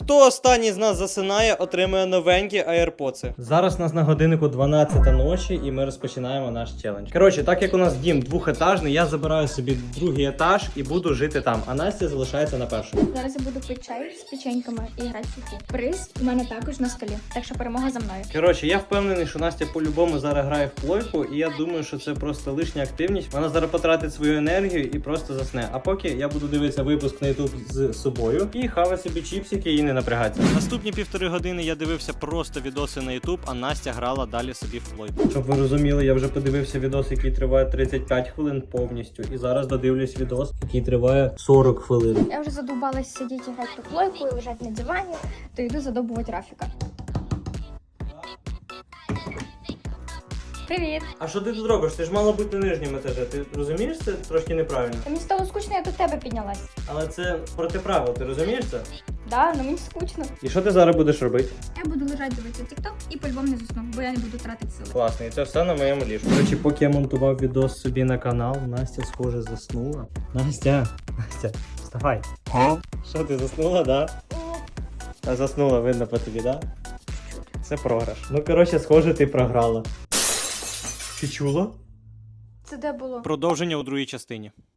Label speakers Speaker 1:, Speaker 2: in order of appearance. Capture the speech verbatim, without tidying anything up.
Speaker 1: Хто останній з нас засинає, отримує новенькі AirPods. Зараз у нас на годиннику дванадцята ночі і ми розпочинаємо наш челендж. Коротше, так як у нас дім двохетажний, я забираю собі другий етаж і буду жити там, а Настя залишається на першому.
Speaker 2: Зараз я буду пити чай з печеньками і грати в фіфу. Приз у мене також на столі, так що перемога за мною.
Speaker 1: Коротше, я впевнений, що Настя по-любому зараз грає в плойку, і я думаю, що це просто лишня активність. Вона зараз потратить свою енергію і просто засне. А поки я буду дивитися випуск на YouTube з собою і хавати собі чіпсики і не напрягатися. Наступні півтори години я дивився просто відоси на YouTube, а Настя грала далі собі в плойку. Щоб ви розуміли, я вже подивився відос, який триває тридцять п'ять хвилин повністю. І зараз додивлюсь відос, який триває сорок хвилин.
Speaker 2: Я вже задовбалась сидіти і грати в плойку і лежати на дивані, то йду задобувати Рафіка. Привіт!
Speaker 1: А що ти тут робиш? Ти ж мала бути на нижньому етажі. Ти розумієш, це трошки неправильно.
Speaker 2: Та мені стало скучно, я до тебе піднялась.
Speaker 1: Але це проти правил, ти розумієш це?
Speaker 2: Да, ну мені скучно.
Speaker 1: І що ти зараз будеш робити?
Speaker 2: Я буду лежати дивитися TikTok і по-любому не засну, бо я не буду тратити сили.
Speaker 1: Класно, і це все на моєму ліжку. До речі, поки я монтував відос собі на канал, Настя, схоже, заснула. Настя, Настя, вставай. Що, ти заснула, да? А заснула, видно по тобі, да? Це програш. Ну, коротше, схоже, ти програла. Ти чула?
Speaker 2: Це де було?
Speaker 1: Продовження у другій частині.